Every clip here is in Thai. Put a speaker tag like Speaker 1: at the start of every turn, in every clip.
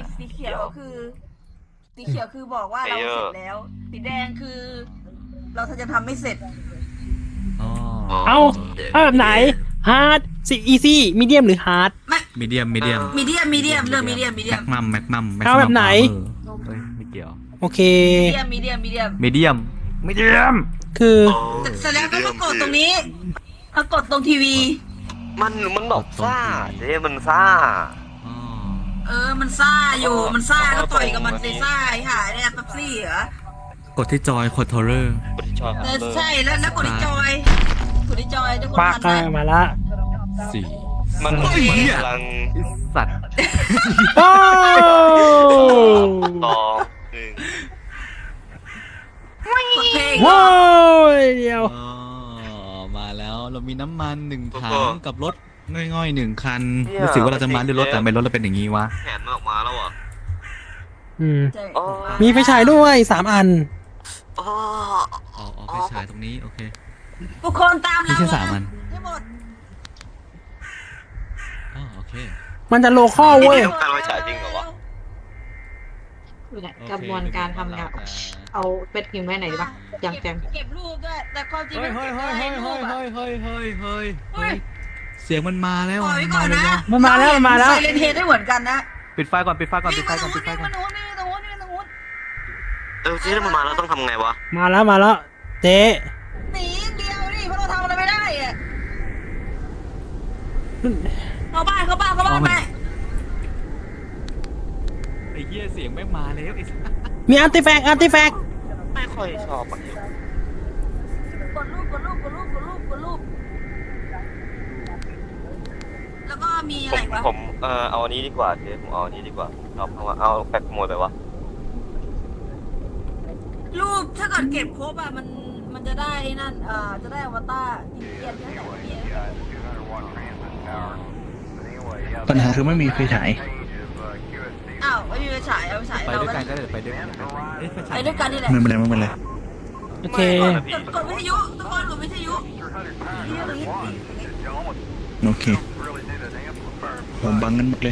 Speaker 1: สีเขียวคือสีเขียวคือบอกว่าเราเสร็จแล้วสีแดงคือ เราจะทำไม่เสร็จ
Speaker 2: อ๋อ
Speaker 3: เอาแบบไหนฮาร์ดอีซี่มีเดียมหรือฮาร์ด
Speaker 2: มีเดียมมีเดียม
Speaker 1: มีเดียมเรื่องมีเดียม
Speaker 2: แม็กมัม
Speaker 3: เอาแบบไหน
Speaker 2: เฮ้ยไม่เกี่ยว
Speaker 3: โอเค
Speaker 1: มีเดียม
Speaker 2: มีเดียมมีเดียม
Speaker 3: คือ
Speaker 1: แสดงก็กดตรงนี้เขากดตรงทีวี
Speaker 4: มันแบบซ่าเจ๊มันซ่า
Speaker 2: อ๋อ
Speaker 1: มันซ่าอยู่มันซ่าก็ต่อยกับมันเลยซ่าไอ้ห่าเนี่ยปั๊บซี่เหรอก
Speaker 2: ดที่จอยคอนโทรลเลอร์
Speaker 4: บริชอย
Speaker 1: ใช่แล้วกดที่จอยจะกด
Speaker 3: ปาก
Speaker 1: ทันไหม
Speaker 3: มาละ
Speaker 2: สี่
Speaker 4: มันกำลัง
Speaker 2: สัตว์
Speaker 3: โอ้
Speaker 4: ต่อหนึ่ง
Speaker 1: กดเพลง
Speaker 3: โว้ยเดียว
Speaker 2: อ๋อมาแล้วเรามีน้ำมัน1 ถังกับรถง่อยๆ1 คันรู้สึกว่าเราจะมาด้วยรถแต่ไม่รถเราเป็นอย่างนี้วะ
Speaker 4: แขนมันออกมาแล้วอ่ะ
Speaker 3: อืม
Speaker 1: ใช่
Speaker 3: มีไฟฉายด้วย3 อัน
Speaker 4: อ๋อ
Speaker 2: อ๋อไปฉายตรงนี้โอเค
Speaker 1: ทุกคนตาม
Speaker 2: มี
Speaker 1: เรา
Speaker 2: แค่3 อัน
Speaker 1: ให้หมด
Speaker 2: อ๋อโอเค
Speaker 3: มันจะโลคอลเว้ย
Speaker 4: ต้องการไว้ฉายจริงเหรอวะ
Speaker 5: อยู่ไหนกระบวนการทำงานเอาเป็ดพิมพ์ไว้ไหนดีปะอย่างแจง
Speaker 1: เก็บรูปด้วยแต่ความจริง
Speaker 2: เฮ้ย
Speaker 1: มัน
Speaker 2: เฮ้ย
Speaker 1: เก็บ
Speaker 2: เฮ้ย
Speaker 1: ได้
Speaker 2: เฮ้ย
Speaker 1: รูป
Speaker 2: เฮ้ย
Speaker 1: อะ
Speaker 2: เฮ้ยเฮ้ยเฮ้ยเสียงมันมาแล้ว
Speaker 1: ปล่อยไว้ก่อนนะ
Speaker 3: มันมาแล้วมันมาแล้ว
Speaker 1: ไซเลนเฮดได้เหมือนกันนะ
Speaker 2: ปิดไฟก่อนปิดไฟก่อนปิดไฟก่อนปิดไฟก่อน
Speaker 1: นี่ตรงนู้น
Speaker 4: เจ๊ถ้ามันมาแล้วต้องทำไงวะ
Speaker 3: มาแล้วเจ๊
Speaker 1: หนีเดียวนี่เพราะเราทำอะไรไม่ได้อะเข้าบ้านไป
Speaker 2: ไอ้เหี้ยเสียงไม่มาแล้วไอ้สัส
Speaker 3: มีอาร์ติแฟกต์
Speaker 4: ไม่ค่อยชอบอ่ะ
Speaker 1: กดรูปแล้วก็มีอะไรวะ
Speaker 4: ผมเอาอันนี้ดีกว่าเจ๊ผมเอาอันนี้ดีกว่าเอาแปะขโมยไปวะ
Speaker 1: รูปถ้าเกิดเก็บครบอะมันจะได้นั่นจะได้อวตารกินเกียนนั่นแหละเนี่ย
Speaker 6: ปัญหาคือไม่มีไฟฉาย
Speaker 1: อ้าวไม่มีไฟฉายเอาไฟฉาย
Speaker 2: ไป
Speaker 1: เรา
Speaker 2: ด้วย
Speaker 1: ไป
Speaker 2: กันก็ได้ไปด้วยกันเอ้ยไฟฉา
Speaker 1: ไป
Speaker 2: ย
Speaker 1: ด้วยกันนี่แหละ
Speaker 6: ไม่เป็นไรไม่เป็นไร
Speaker 3: โอเค
Speaker 1: กดวิทยุทุกคนกดวิทยุนี่ตรงนี้
Speaker 6: โอเคผมบังกันหมดเลย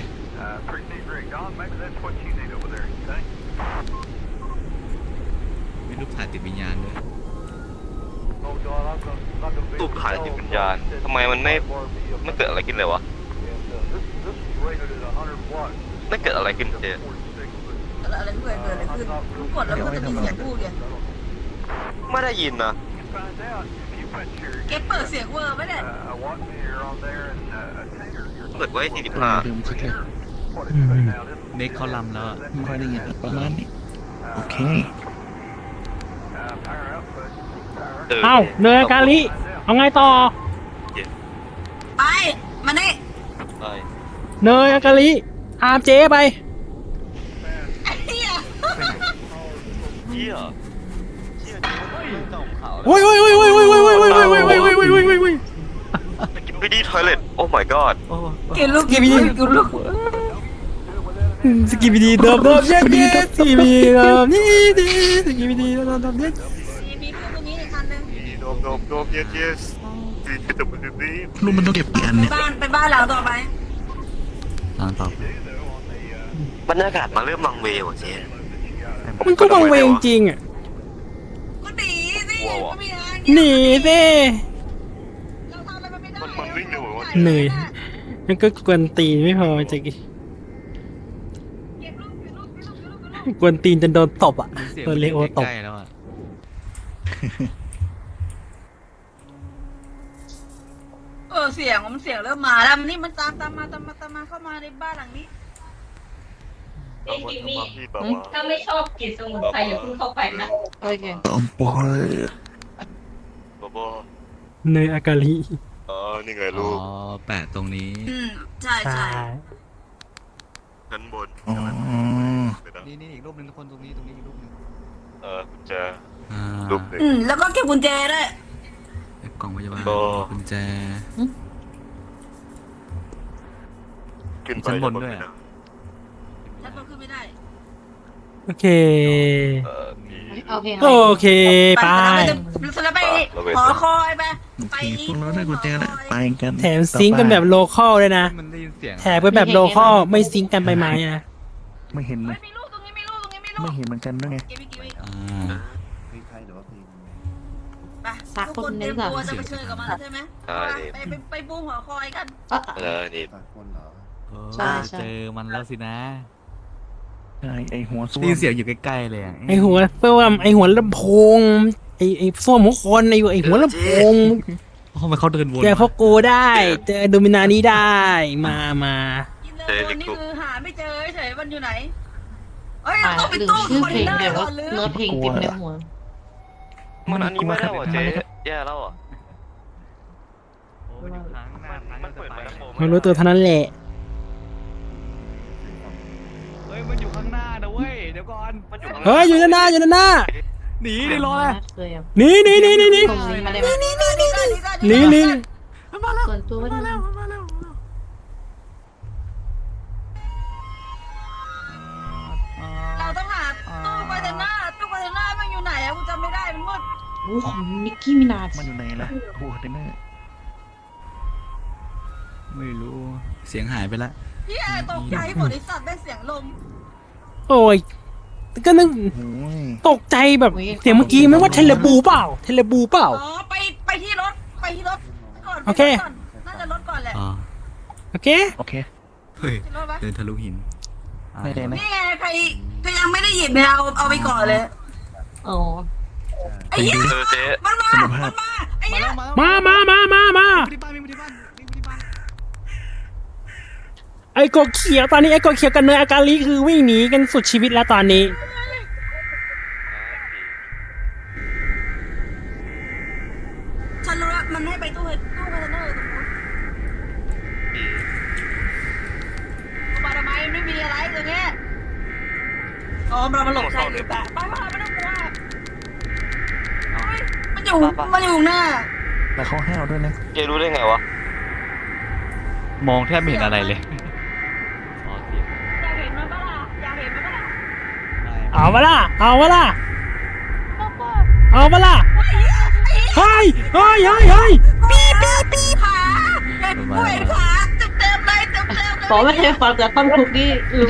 Speaker 2: มีรูปถ่ายติดวิญญาณด้วย
Speaker 4: ตูบถ่ายติดวิญญาณทำไมมันไม่เกิดอะไรขึ้นเลยวะไม่เกิดอะไรขึ้นเจ๊
Speaker 1: อะไรเกิดอะไรขึ้นกดแล้วมันก็จะมีเสียงพูดไง
Speaker 4: ไม่ได้ยินนะ
Speaker 1: เก็บเปิดเสียงเวอร์ไหมเนี่ย
Speaker 4: เปิดไว้45
Speaker 6: ลืมเช็คเลย
Speaker 2: เน็กเขาลำแล้วอะ
Speaker 6: ไม่ค่อยได้ยินประมาณนี้โอเค
Speaker 3: เอ้าเนยกาลิเอาไงต่อ
Speaker 1: ไปมานี่
Speaker 4: ใช่
Speaker 3: เนยกาลิตามเจ๊ไป
Speaker 1: ไอ้เหี้ย
Speaker 4: เชี่ยเจ๊เจ้าขาว
Speaker 3: โอ้ย
Speaker 4: กินไปดีทอยเล็ตโอ้ my god
Speaker 2: โอ้
Speaker 1: กินลูก
Speaker 3: สกิบิดีเดิมเย็ดสกิบิดีเดิมนี่ดีสกิบิดีเดิมเย็ด
Speaker 1: มีเครื่องตรงนี้ในคันนึง
Speaker 4: โดมyes ที่ตะบุดี
Speaker 6: รูปมันต้องเก็บกี่อันเนี่ย
Speaker 1: ไปบ้านหลังต่อไป
Speaker 2: ทางต่อบ
Speaker 4: รรยากาศมาเริ่มวังเววอ่ะเจ๊
Speaker 3: มันก็บังเวงจริงอ่ะ
Speaker 1: ก็หนีสิก็มีทาง
Speaker 3: หนีสิ
Speaker 1: เราทำอะไรมันไม่ได้
Speaker 4: มันวิ่งเร็วกว่า
Speaker 3: เหนื่อยมันก็กวนตีนไม่พอจะก
Speaker 1: เก็บรูป
Speaker 3: กวนตีนจนโดนตบอ่ะ
Speaker 2: เสียง
Speaker 3: โดนเลโอตบ
Speaker 2: ใกล้ๆแล้วอะ
Speaker 1: เสียงมันเสียงเริ่มมาแล้วนี่มันตามมาเข้ามาในบ้านหลังนี้
Speaker 4: เอ้ยจิมมี่
Speaker 7: ถ้าไม่ชอบกลิ่นสมุนไพรอย่าเพิ่งเข้าไปนะ
Speaker 5: โอเค
Speaker 6: ตอมปอย
Speaker 4: บอ
Speaker 3: เนยอากาลิ
Speaker 4: นี่ไง
Speaker 2: อ๋
Speaker 4: ลู
Speaker 2: อก แปะตรงนี้
Speaker 1: ใช่
Speaker 3: ใช่
Speaker 4: ชั้นบน
Speaker 6: อ๋อ
Speaker 2: นี่อีกรูปหนึงทุกคนตรงนี้อีกรูปหนึง
Speaker 4: กุญแจ
Speaker 2: อ่า
Speaker 4: รูปหนึ่ง
Speaker 1: แล้วก็เก็บกุญแจด้วย
Speaker 2: กล่องพยาบาล
Speaker 4: ก็
Speaker 2: กุญแจ
Speaker 4: ขึ้นไป
Speaker 2: ชั้นบนด้วยอะ
Speaker 1: ฉันก็ขึ้นไม่ได้
Speaker 3: โอเค
Speaker 4: มี
Speaker 5: โอเค
Speaker 3: โอเคไป
Speaker 1: แล้วไปหอคอยไป
Speaker 6: โอเคพวกเราได้กุญแจแล้วไปกัน
Speaker 3: แถมซิงค์กันแบบโลคอลเลยนะ
Speaker 2: มันได้ยินเสียง
Speaker 3: แถมไปแบบโลคอลไม่ซิงค์กันไปไหมนะ
Speaker 6: ไม่เห็นเล
Speaker 1: เฮ้
Speaker 6: ย
Speaker 1: ยมีลูกตรงนี้มีลูกตรงนี้มีลู
Speaker 6: ไม่
Speaker 1: ก
Speaker 6: เห็นเหมือนกันด้วยไง
Speaker 1: เก็บอีก
Speaker 2: อ่า
Speaker 1: ไปทุกคนเตรียมตัวจะไปเชิญกับมันแล้วใช่ไหมไปบูมหัวคอยกัน
Speaker 4: นี่
Speaker 5: ใช่ใช่
Speaker 2: เจอมันแล้วสินะ
Speaker 6: ใช่ไอหัวส้ว
Speaker 2: ได้ยิน
Speaker 6: ม
Speaker 2: เสียงอยู่ใกล้ๆเลยอ่ะ
Speaker 3: ไอหัวเพื่อว่าไอหัวลำโพงไอส้วมหัวคนไอหัวลำโพง
Speaker 2: ทำไมเขาเดินวน
Speaker 3: เจอพวกกูได้เจอโดมินานี้ได้มา
Speaker 1: กินเลยวันนี้คือหาไม่เจอเฉยมันอยู่ไหนเฮ้ย
Speaker 5: อ่า
Speaker 1: ต้องไป
Speaker 5: ลืม
Speaker 1: ตู้
Speaker 5: ชื่อ
Speaker 1: คอน
Speaker 5: เพล
Speaker 1: เท
Speaker 5: ง
Speaker 1: นเนอ
Speaker 5: เดี๋ยว
Speaker 1: ร์ก่อนลืม
Speaker 5: ว่าเนื้อเพลงเต็มในหัว
Speaker 4: มันอันนี้ไม่ได้หรอเจ๊แย่แล้วอ่ะ
Speaker 2: โอ้ยอยู่ข้างหน้าทาง
Speaker 4: มันเปิดมาแล้วโผล่
Speaker 3: ไม่รู้ตัวเท่านั้นแหละ
Speaker 2: เฮ้ยมันอยู่ข้างหน้านะเว้ยเดี๋ยวก่อน
Speaker 4: มันอยู่
Speaker 3: เฮ้ยอยู่ด้านหน้าอยู่ด้านหน้า
Speaker 2: หนีดิรอเลย
Speaker 5: เคยอ่ะ
Speaker 3: หนี่นี่นี่นี่นี่
Speaker 5: ตรงนี้มาได้ไหม
Speaker 1: นี่
Speaker 3: นี่
Speaker 5: ส่วนตัวมาแล้ว
Speaker 1: เราต้องหาตู้คอนเทนเนอร์มันอยู่ไหนอะกูจำไม่ได้มันมืด
Speaker 5: โอ้โหนิกกี้มินาจ
Speaker 6: มันอยู่ไหนล่ะโอ้โหเต็มเลย
Speaker 2: ไม่รู้เสียงหายไปละ
Speaker 1: เฮียตกใจหมดไอ้สัตว์ได้เสียงลม
Speaker 3: โอ้ยก็นึก
Speaker 6: โอ้ย
Speaker 3: ตกใจแบบเสียงเมื่อกี้ไม่ว่าเทเลบูเปล่าเทเลบูเปล่า
Speaker 1: อ๋อไปที่รถก่อน
Speaker 3: โอเค
Speaker 1: น่าจะรถก่อนแหละ
Speaker 2: อ๋อ
Speaker 3: โอเค
Speaker 6: โอเค
Speaker 2: เฮ้ย
Speaker 1: ที่รถปะ
Speaker 2: เดินทะลุหิน
Speaker 6: ไม่ได้นะ
Speaker 1: นี่ไงใครยังไม่ได้หยิบเนี่ยเอาไปก่อนเลย
Speaker 5: อ๋อ
Speaker 1: ไอ้เหี้ย
Speaker 4: เจ๊
Speaker 1: มันมาไอ้เหี้ย
Speaker 3: มาไอ้กบเขียวตอนนี้ไอ้กบเขียวกับเนยอาการีคือวิ่งหนีกันสุดชีวิตแล้วตอนนี้
Speaker 1: ฉันรู้แล้วมันให้ไปตู้คอนเทนเนอร์ตรงนู้นมาทำไมไม่มีอะไรตรงเนี้ยอ๋อเรามาหลบใครหรือเปล่าไปไม่ต้องกลัวเฮ้ยมันอยู่หน้า
Speaker 6: แล้วเขาห้าวด้วยนะ
Speaker 4: เจ๊รู้ได้ไงวะ
Speaker 2: มองแทบไม่เห็นอะไรเลยอ๋อเสียง
Speaker 1: อยากเห็นมันปะล่ะอยากเห็นมันปะล่ะ
Speaker 3: เอาวะล่ะเอาวะล่ะเอาวะล่ะเฮ้ย
Speaker 1: ปีขาเห็นกูเห็นขาเต็มเลย
Speaker 5: บอกไม่เคยฟังแต่ท่อนทุกนี่รู้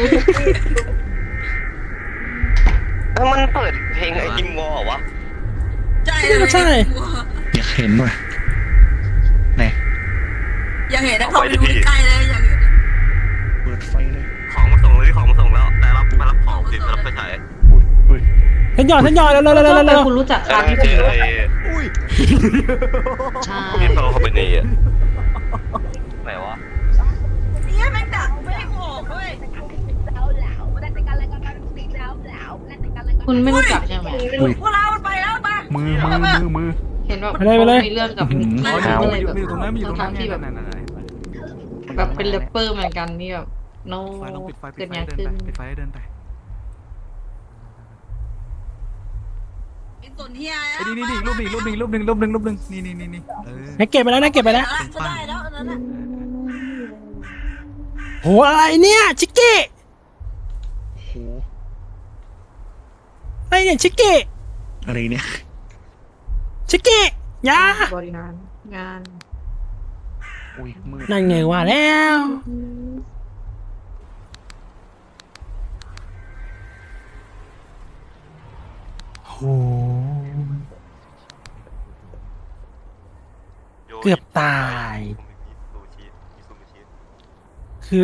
Speaker 4: แล้วมันเปิดเพลงไอ้จิมวอลวะ
Speaker 1: ใช่
Speaker 3: ใช่
Speaker 6: อยากเห็นว่ะไหน
Speaker 1: อยากเห็นนะเขาไปดูใกล้เลยอยากเห็น
Speaker 6: เปิดไฟเลย
Speaker 4: ของมาส่งเลยของมาส่งแล้วแต่รับมารับของสิมารับไปฉาย
Speaker 6: อุ้ย
Speaker 3: ฉันหยอดเร็ว
Speaker 5: แต่คุณรู้จักคาที่
Speaker 4: เจ๊
Speaker 5: ผิว
Speaker 4: ไอ้
Speaker 5: ใช่
Speaker 4: พี่โตเขาเป็นนี่อ่ะไหนวะ
Speaker 1: เนี่ยแม่งดักไม่ให้กูออกด้วย
Speaker 5: คุณไม่รู้จักใช่ไหม
Speaker 6: อุ้ย
Speaker 1: พวกเรามันไปแล้วมา
Speaker 6: มือ
Speaker 5: เห็นว่า
Speaker 3: ไปเลย
Speaker 5: มีเรื่องกับนิกกี้
Speaker 6: ขาว
Speaker 5: ก็เลยแบบ
Speaker 2: มันอยู่ตรงนั้นมันอยู่ตรงนั้น
Speaker 5: ที่แบบ
Speaker 2: นั่น
Speaker 5: แบบเป็นแรปเปอร์เหมือนกันนี่แบบโน้
Speaker 2: ไฟลองปิดไฟ
Speaker 5: เกิด
Speaker 2: เดิ
Speaker 5: งาน
Speaker 2: น
Speaker 5: ขึ้น
Speaker 2: ไปปิดไฟเดินไป
Speaker 1: ไอ้ส่วนเฮีย
Speaker 2: ไอ้นี่รูปหนึ่งนี่
Speaker 3: ๆนะเก็บไปแล้วนะเก็บไปแล้ว
Speaker 1: จะได้แล้วอันนั้น
Speaker 3: โหอะไรเนี่ยชิกกี้
Speaker 6: โอ้โห
Speaker 3: อะไรเนี่ยชิกกี้
Speaker 6: อะไรเนี่ย
Speaker 3: ชิกกี้ยา
Speaker 5: บริหารงาน
Speaker 6: อุ้ยมืด
Speaker 3: นั่นไงว่าแล้วโหเกือบตาย คือ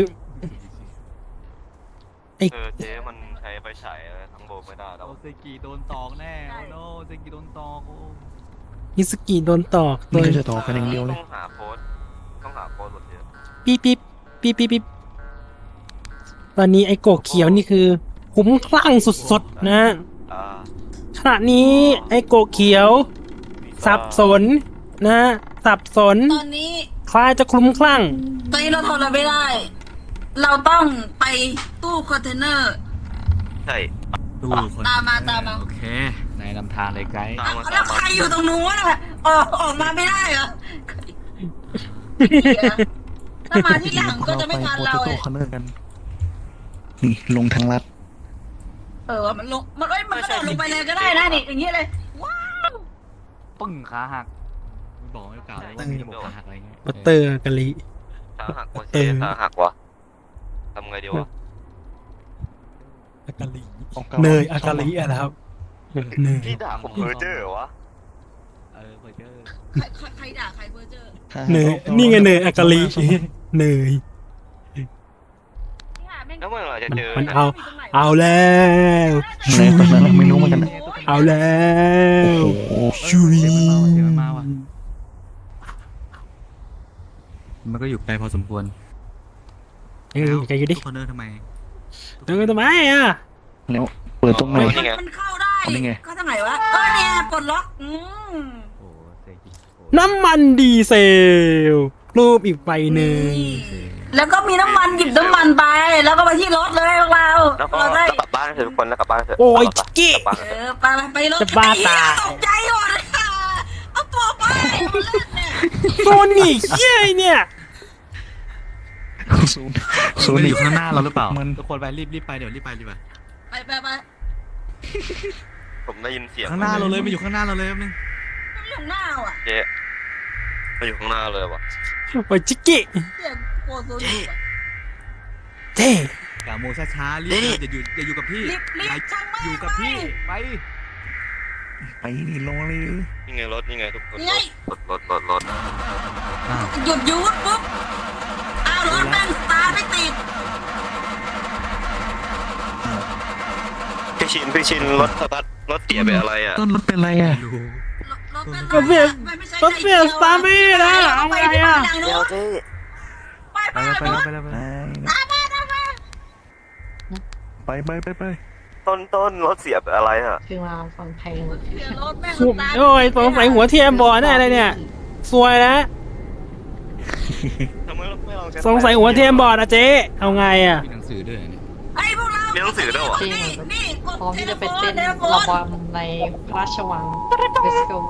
Speaker 3: ไอ้
Speaker 4: เจ๊มันใช้ไฟฉายทั้งโบไม่ได้แล้ว
Speaker 2: โอเซกิโดนตอกแน่โอ้โนเซกิโดนตอกโอ้
Speaker 3: มิสกิโดนตอกโด
Speaker 6: นี่
Speaker 3: ย
Speaker 6: ก็จะต่อกันอย่างเดียวเลย
Speaker 4: ต้องหาโค้ดหมดเจ๊
Speaker 3: ปิ๊บตอนนี้ไอ้โกะเขียวนี่คือคุ้มคลั่งสุดๆนะ ขณะนี้ไอ้โกะเขียว สับสนนะสับสน
Speaker 1: ตอนนี้
Speaker 3: คล้ายจะคลุ้มคลั่ง
Speaker 1: ตอนนี้เราทำอะไรไม่ได้ เราต้องไปตู้คอนเทนเนอร์
Speaker 4: ใช่
Speaker 2: ดูคน
Speaker 1: ตามมา
Speaker 2: โอเคนายนำทางเลยไกด์
Speaker 1: แล้วใครอยู่ตรงนู้นอ่ะออกมาไม่ได้เหรอถ้ามาที่หลังก็จะไม่ทันเรา
Speaker 6: โป
Speaker 1: เล
Speaker 6: โต้
Speaker 1: ย
Speaker 6: คอนเนอร์กัน นี่ลงทางลัด
Speaker 1: มันลงมันกระโดดลงไปเลยก็ได้นะนี่อย่างเงี้ยเลยว้าว
Speaker 2: ปึ้งขาหักไม่บอกไม่กล่าวเลยว่ามีระบบขาหักอะไรเงี้ย
Speaker 3: บัตเตอร์กะลิ
Speaker 4: ขาหักวะเจ๊ขาหักวะทำไงดีวะ
Speaker 3: อากาลี
Speaker 6: ของก่
Speaker 3: เนยอากาลีอะนะครับเนย
Speaker 4: พี่ด่าผมเพอร์เจอร์เหรอวะ
Speaker 2: เพอร์เจอร์
Speaker 1: ใครด่าใครเพ้อเจ้อ
Speaker 3: เนยนี่ไงเนยอากาลีเนย
Speaker 4: แล้วเมื่อไหร่จะเจอ
Speaker 3: มันเอาแล้ว
Speaker 6: ไหนคนนั้นไม่รู้เหมือนกันนะ
Speaker 3: เอาแล้ว
Speaker 6: โอ้โห
Speaker 3: ชุย
Speaker 2: เสียงมันมาว่ะมันก็อยู่ไกลพอสมควร
Speaker 3: เอ้ยใจอยู่ดิ
Speaker 2: ทุกคนเดินทำไม
Speaker 3: เดินทำไมอ่ะ
Speaker 6: แล้วเปิดตรงไหน
Speaker 1: มันเข้าได้
Speaker 6: อันนี้ไง
Speaker 1: ก็ทางไหนวะเนี่ยปลดล็อก
Speaker 2: โอ้เซ็งจริงโอ้
Speaker 3: น้ำมันดีเซล รูปอีกใบหนึ่ง
Speaker 1: แล้วก็มีน้ำมันหยิบน้ำมันไป แล้วก็ไปที่รถเลยพวกเรา
Speaker 4: แล้วก็
Speaker 1: เราได้
Speaker 4: กลับบ้านเถอะทุกคนแล้วกลับบ้านเถอะ
Speaker 3: โอ้ยกี้
Speaker 4: กลับบ้าน
Speaker 1: เอ
Speaker 4: เถอะ
Speaker 1: อไปรถ
Speaker 3: จะบ้าตาย
Speaker 1: ตกใจหมดเลยเอาตัวไปเอาเล่นเนี่ย
Speaker 3: โซนิกเย้ยเนี่ย
Speaker 6: ศูนย์
Speaker 2: มันอยู่ข้างหน้าเราหรือเปล่า
Speaker 6: มัน
Speaker 2: ทุกคนไปรีบไปเดี๋ยวรีบไป
Speaker 1: ไป
Speaker 4: ผมได้ยินเสียง
Speaker 2: ข้างหน้าเราเลยมันอยู่ข้างหน้าเราเลยแป๊บนึง
Speaker 1: มันอยู่หน้าอ่ะ
Speaker 4: เจ๊มาอยู่ข้างหน้าเลยวะ
Speaker 3: โอ้ยจิกกี้
Speaker 1: เสียงโคโซนิกอะ
Speaker 3: เท่
Speaker 2: อย่าโมช้าๆรีบอย่าอยู่กับพี่
Speaker 1: รีบ
Speaker 2: อย่า
Speaker 1: ช่างแม่ง
Speaker 2: อยู่กับพี่ไป
Speaker 6: ไปนี่ลงเลย
Speaker 4: นี่ไงรถนี่ไงทุกคน
Speaker 1: นี่ไง
Speaker 4: รถ
Speaker 1: หยุดยูดปุ๊บอ้าวรถแม่งสตาร์ทไม่ติด
Speaker 4: พี่ชินรถสตาร์ทรถเตี๋ยเป็นอะไรอ่ะ
Speaker 6: ต้นรถเป็นไรอ่ะ
Speaker 2: ดู
Speaker 3: ก็เปลี่ยนก็เปลี่ยนสตาร์ไม่ได้เอาไงอ่ะ
Speaker 4: เดี๋ยวเจ๊
Speaker 1: ไป
Speaker 2: ไปแล้วไปแล้ว
Speaker 6: ไป
Speaker 4: ต้นรถเสียเป็นอะไรอ่ะ
Speaker 5: คือมาฟังเพลง
Speaker 1: เสียรถแม่ง
Speaker 3: สุดโอ้ยสงสัยหัวเทียมบอดแน่เลยเนี่ยสวยแล้ว
Speaker 4: ทำไมเราไม่ลองใช้
Speaker 3: สงสัยหัวเทียมบอดอะเจ๊เอาไงอ่ะ
Speaker 2: มีหนังสือด้วยเนี่ย
Speaker 1: ไอ้พวกเรา
Speaker 4: เรียนหนังสือด้วยเหรอ
Speaker 1: นี่กด
Speaker 5: พร้อมที่จะไปเต้น
Speaker 1: เทเลโฟ
Speaker 5: ระ
Speaker 1: น
Speaker 5: บำในพระราชวังเวสโก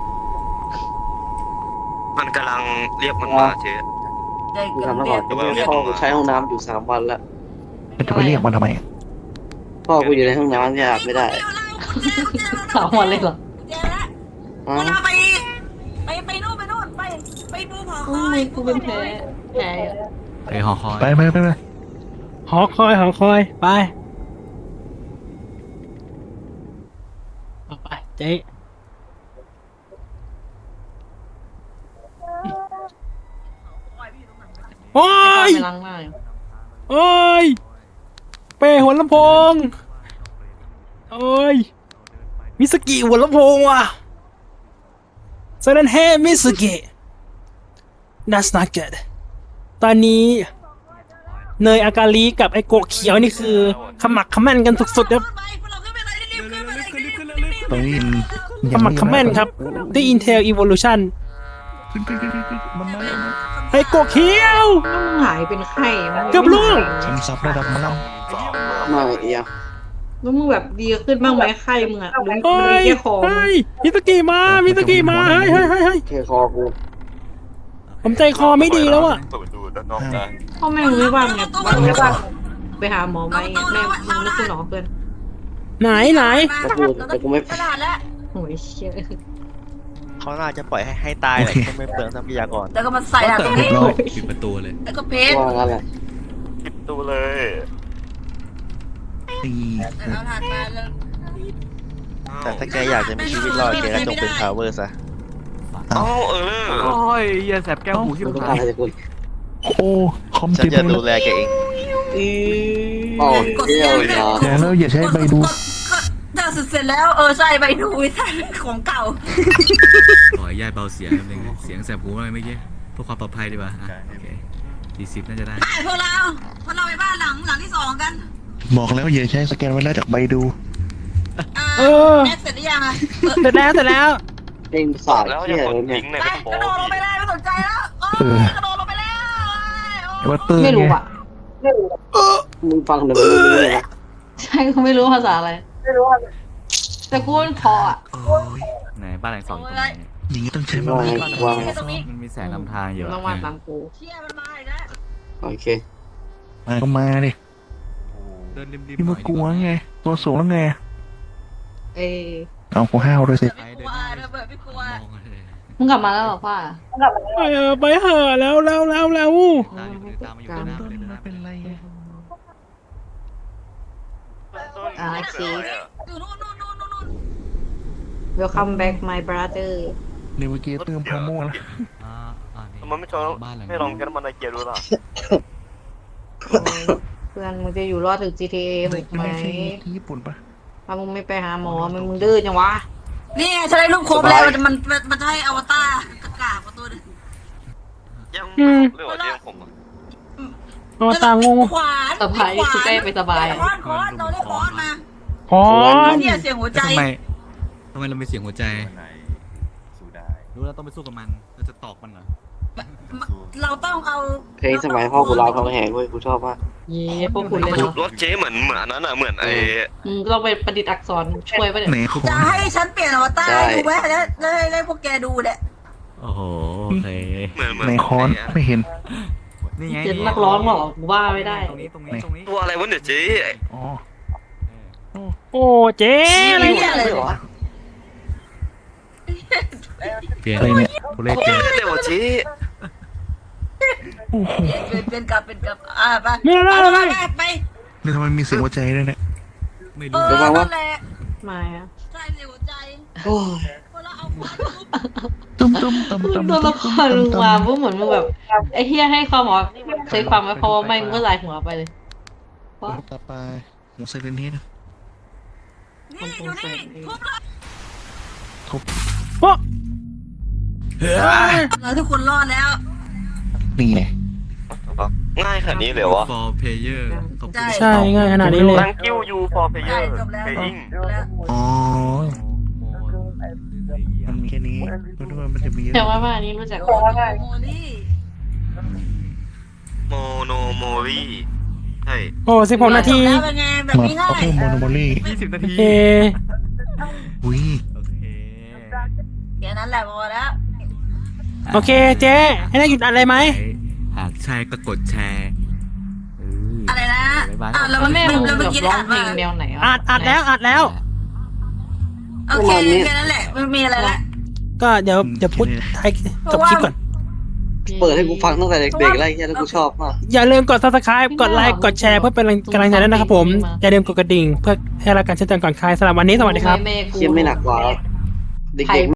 Speaker 4: มันกำลังเรียกมันมาเจ๊
Speaker 1: ได้เกิ
Speaker 8: ทำ
Speaker 1: น
Speaker 8: แล้ว
Speaker 1: เรี
Speaker 8: ก่
Speaker 1: ย
Speaker 8: อน
Speaker 1: ก
Speaker 8: พ่อกูใช้ห้องน้ำอยู่3 วันแล้ว
Speaker 6: จะไปเรียกมันทำไม
Speaker 8: พ่อกูอยู่ในห้องน้ำเนี่ยอาบไม่ได้
Speaker 5: 3 วันเลยเหรอ
Speaker 1: เจอแล้ว
Speaker 8: อ๋อ
Speaker 1: เราไปนู่นไปดูหอค
Speaker 5: โอ้
Speaker 1: อย
Speaker 5: ยกูเป็นแพ้อะ
Speaker 2: ไปหอคอย
Speaker 6: ไป
Speaker 3: หอคอยไปเอาไปเจ๊โอ้ย
Speaker 5: ไปล้างหน้าอยู่
Speaker 3: โอ้ยเป้หัวลำโพงโอ้ยมิสกิหัวลำโพงว่ะเซเลนเฮมิสกิ that's not good ตอนนี้เนยอากาลีกับไอโกะเขียวนี่คือขมักเขม้นกันสุดๆครับ
Speaker 6: ตรงนี้
Speaker 3: ขมักเขม้นครับด้วย Intel Evolution
Speaker 6: มันมาแล้ว
Speaker 3: ไอโกะเขียว
Speaker 5: หายเป็นไข้มัน
Speaker 3: เกือบล่วง
Speaker 6: คำศัพท์ระดับมาแล้ว
Speaker 8: มาเอีย
Speaker 5: แล้วมึงแบบดีขึ้นบ้างไหมไข้มึงอะหรือ
Speaker 3: เฮ้
Speaker 5: มัน
Speaker 3: ย
Speaker 5: แค่คอมึง
Speaker 3: เฮ้ยมิสกิมาเฮ้ย
Speaker 8: เคคอกู
Speaker 3: ผมใจคอไม่ดีแล้วอ่ะ
Speaker 4: เปิดประตูด้านนอกได้
Speaker 5: พ่อแม่มึงไม่ว่างไงไม่ว่างไปหาหมอไหมแม่มึงนึกคุณหมอเพื่อน
Speaker 3: ไหน
Speaker 8: แต่กูไม่
Speaker 1: ตลาดแล้ว
Speaker 5: โอ้ยเชี่ย
Speaker 9: เขาน่าจะปล่อยให้ตายแหละก็ไม่เปลืองทรัพยากร
Speaker 1: แล้วก็มาใส่หลัง
Speaker 2: เรียบร้อยปิดประตูเลย
Speaker 1: แล้วก็เพชร
Speaker 8: ว่างั้นแหละ
Speaker 4: ปิดประตูเลย
Speaker 6: ตี
Speaker 1: เอาถัดมาเลย
Speaker 9: แต่ถ้าแกอยากจะมีชีวิตรอดแกก็จงเป็นพาวเวอร์ซะ
Speaker 4: เอ้า
Speaker 2: โอ้ยอย่าแสบแก้วหูที่
Speaker 8: มึง
Speaker 2: ผ
Speaker 8: ต้อง
Speaker 2: ม
Speaker 8: การอะไรจากกู
Speaker 6: โอ้คอม
Speaker 9: ฉัน
Speaker 6: ติด
Speaker 9: จะ
Speaker 6: เล
Speaker 9: ดู
Speaker 6: ย
Speaker 9: แลแกเอง
Speaker 8: อ๋อเที่ยวนะ
Speaker 6: แล้วอย่าใช้ใบดู
Speaker 1: ถ้าเสร็จแล้วใช่ไปดูใช่ของเก่า
Speaker 2: ขอให้ยายเบาเสียงนิดนึงเสียงแสบหูอะไรเมื่อกี้เพื่อความปลอดภัยดีกว่าอ่ะโอเค40น่าจะได้
Speaker 1: ไปพวกเราไปบ้านหลังที่2กัน
Speaker 6: บอกแล้วอย่าใช้สแกนไว้แล้วจากใบดู
Speaker 1: แม็กเสร็จหรือยังอะ
Speaker 3: เสร็จแล้ว
Speaker 8: เด้งสาย
Speaker 4: แล้ว
Speaker 8: เที่
Speaker 4: จะ
Speaker 8: ยว
Speaker 4: กด
Speaker 8: เนี่ย
Speaker 4: ทิ้งใน
Speaker 1: ไป
Speaker 4: กระ
Speaker 1: ก
Speaker 4: โปร
Speaker 1: ระโดดลง
Speaker 4: ง
Speaker 1: ไปเลยไม่สนใจแล้วกระโดดลงไปแล้ว
Speaker 6: วัตเตอร์
Speaker 5: ไม่รู้
Speaker 6: ไง
Speaker 5: อ่ะ
Speaker 8: มึงฟังเดี๋ยวมึงรู้เลยนะ
Speaker 5: ใช่ก็ไม่รู้ภาษาอะไรแต่กูมันพออ่ะ
Speaker 6: โอ้ย
Speaker 2: ไหนบ้านหลังสองอยู่ตรงไหนเนี่ย
Speaker 6: อย่างนี้ต้องใช้ใบ
Speaker 8: ว่าไงว่าไง
Speaker 2: มันมีแสงนำทางอยู่
Speaker 5: ต้องมาตามกู
Speaker 1: เชี่ยมันมาอีกแล้ว
Speaker 8: โอเค
Speaker 6: มาก็มาดิ
Speaker 2: เดินริมๆ
Speaker 6: พี่มากลัวไงตัวสูงแล้วไง
Speaker 5: เอ้ย
Speaker 6: เอากูห้าวด้วยสิ
Speaker 1: ไม่กลัวระเบิดไม่กลัว
Speaker 2: มองเลย
Speaker 5: มึงกลับมาแล้วเหรอป้า
Speaker 3: ไปเหอะแล้ว
Speaker 2: ตามอยู่ตามมาอยู่ตามมาอยู่ตามมาเลยนะ
Speaker 6: เป็นไร
Speaker 5: โอเค
Speaker 1: อยู่นู่นนู่นนู่นนู่น
Speaker 5: Welcome back my brother
Speaker 6: เดี๋ยวเมื่อกี้เติมพาโม่แล้ว
Speaker 2: นี่
Speaker 4: มันไม่ชอบ
Speaker 2: บ้านหลัง
Speaker 4: ไม่ลองแค่น้ำมันไอเกียร์ดูล่ะ
Speaker 5: เพื่อนมึงจะอยู่รอดถึง GTA 6ไหม
Speaker 6: ไม่ใช่ที่ญี่ปุ่นปะ
Speaker 5: ถ้ามึงไม่ไปหาหมอมึงดื้อจังวะ
Speaker 1: นี่ไงฉันได้รูปครบแล้วมันจะให้อวตารกากมาตัวนึง
Speaker 4: ยัง
Speaker 3: อืม
Speaker 4: เรื่องอะไรยังผมอ่ะ
Speaker 3: เอาตางง
Speaker 1: ขวาน
Speaker 5: สบายคือใกล้ไปสบาย
Speaker 1: คอนเราได้คอนมา
Speaker 3: พอน
Speaker 1: เนี่ยเสียงหัวใจ
Speaker 2: ทำไมเรามีเสียงหัวใจรู้แล้วต้องไปสู้กับมันเราจะตอกมันเหรอ
Speaker 1: เราต้องเอา
Speaker 8: เพลงสมัยพ่อกูร้องเขาแหงเว้ยกูชอบมาก
Speaker 5: เย้พวกคุณเลยเนาะ
Speaker 4: รถเจ๊เหมือนนั้นอ่ะเหมือนไอ้
Speaker 5: มึงต้องไปประดิษฐ์อักษรช่วยป่ะเนี่ย
Speaker 6: ไหนเขา
Speaker 1: จะให้ฉันเปลี่ยนอวตารดูไหมแล้วให้พวกแกดูเนี่ย
Speaker 2: โอ้โหโอเค
Speaker 4: เหมือน
Speaker 6: ไหนคอนไม่เห็น
Speaker 2: นี่ไง
Speaker 5: เจ็ดนักร้องหรอกูว่าไม่ได้
Speaker 2: ตรงนี้
Speaker 4: ตัวอะไรวะเนี่ยเจ๊
Speaker 6: อ๋อ
Speaker 3: โอ้เจ๊อะไรเนี่ย
Speaker 1: อะไรหรอ
Speaker 2: เปลี่ยน
Speaker 6: อะไรเนี่ย
Speaker 2: ตัวเลขเปลี่ยน
Speaker 4: เดี๋ยวเจ๊
Speaker 6: โอ้โห
Speaker 1: เป็นกลับไป
Speaker 3: ไม่ได้อะไร
Speaker 1: ไป
Speaker 6: นี่ทำไมมีเสียงหัวใจด้วยเนี่ย
Speaker 2: ไม่
Speaker 1: เอ
Speaker 2: รู้
Speaker 1: อนั่นแหละ
Speaker 5: มาอ่ะ
Speaker 1: ใช่เสียงหัวใจ
Speaker 8: โอ้ย
Speaker 1: พอเราเอาควาน
Speaker 6: ตุ้มตุ้มตุ้มตุ้ม
Speaker 5: ตัวละครมึงมาพวกเหมือนมึงแบบไอ้เฮียให้ความหมอเคยความไว้เพราะว่าไม่มึงก็ลายหัวไปเลย
Speaker 6: ต่อไปหัวไซเรนเฮด
Speaker 1: นี่อยู่นี่ทุบเลย
Speaker 3: โอ้
Speaker 1: เราทุกคนรอดแล้ว
Speaker 6: นี่ไง
Speaker 4: ง่ายขนาดนี้เลยวะ
Speaker 2: ฟอร์เพเยอร์ขอบคุณ
Speaker 3: ใช่ง่ายขนาดนี้เลย
Speaker 4: Thank you you for
Speaker 1: ใช่
Speaker 4: player
Speaker 1: จบแล้ว
Speaker 4: playing
Speaker 1: จบแล้ว
Speaker 6: อ๋อมันมีแค่นี้ไม่รู้ว่ามันจะมี
Speaker 5: แต่ว่าอันนี้รู้จัก
Speaker 1: โมลี่
Speaker 4: โมโนโมรีใช่
Speaker 3: โอ้16 นาที
Speaker 1: แล้วเป็นไงแบบ
Speaker 6: มา
Speaker 1: นี้ง่า
Speaker 6: เอา
Speaker 1: ย
Speaker 6: เพิ่มโมโนโมลี่
Speaker 2: 20 นา
Speaker 3: โอ
Speaker 2: ที
Speaker 3: เค
Speaker 6: อุ้ย
Speaker 2: โอเค
Speaker 1: แค่นั้นแหละพอแล้ว
Speaker 3: โอเคเจ๊ให้ได้หยุดอะไรไหม
Speaker 2: หากใช่ก็กดแชร์เออ
Speaker 1: อะไรนะอ่ะแล้ว
Speaker 5: แล้วแม่มึง
Speaker 1: แล้ว
Speaker 5: แบ
Speaker 1: เมื่อบ กี้
Speaker 5: ร้อ
Speaker 1: อ่าง น
Speaker 5: เพล
Speaker 1: มาง
Speaker 5: แนวไหน
Speaker 3: อัดแล้ว
Speaker 1: โอเคแค่นั้นแหละไม่มีอะไรละ
Speaker 3: ก็เดี๋ยวพูดท้ายจบคลิปก่อน
Speaker 8: เปิดให้กูฟังตั้งแต่เด็กๆแล้วไอ้เหี้ยแล้วกูชอบมาก
Speaker 3: อย่าลืมกด subscribe กดไลค์กดแชร์เพื่อเป็นกำลังใจด้วยนะครับผม อย่าลืมกดกระดิ่งเพื่อให้รายการแจ้งเตือนก่อนใครสำหรับวันนี้สวัสดีครับ
Speaker 5: แม่กู
Speaker 8: เชี่ยไม่หนักกว่าเด็กๆ